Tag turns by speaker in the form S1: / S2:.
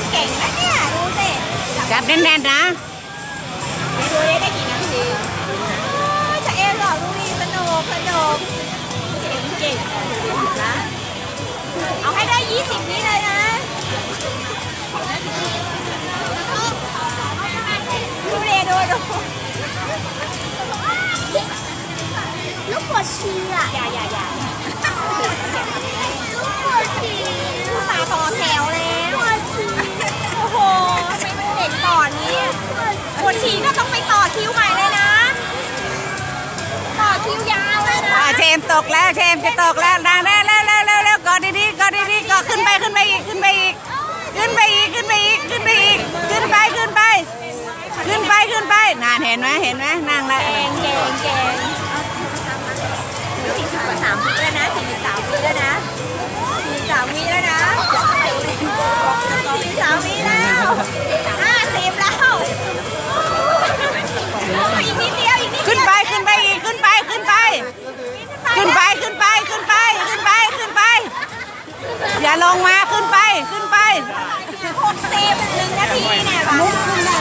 S1: เก่งนะเนี่ยดูสิ
S2: จับแน่นๆนะ
S1: ดูได้กี่นาทีจะเอ็นหรอดูดิสนุกเก่งนะเอาให้ได้20นี้เลยนะดูลูกปวดฉี่อ่ะอย่าลูกปวดฉี่ผู้สาวต่อแถวแล้วโอ้โหทำไมมันเด็กก่อนนี้ปวดฉี่ก็ต้องไปต่อคิวใหม่เลยนะต่อคิวยาวเลยนะ
S2: เชมตกแล้วเชมจะตกแล้วดังแล้วกอดดีๆกอขึ้นไปอีกนานเห็นไหมนั่งแล้ว
S1: เก่ง43 วิแล้วนะ43 วิแล้วนะ43 วิแล้วนะ43 วิแล้ว50แล้วอีกนิดเดียว
S2: ขึ้นไปอย่าลงมาขึ้นไป
S1: 60 1 นาทีเนี่ย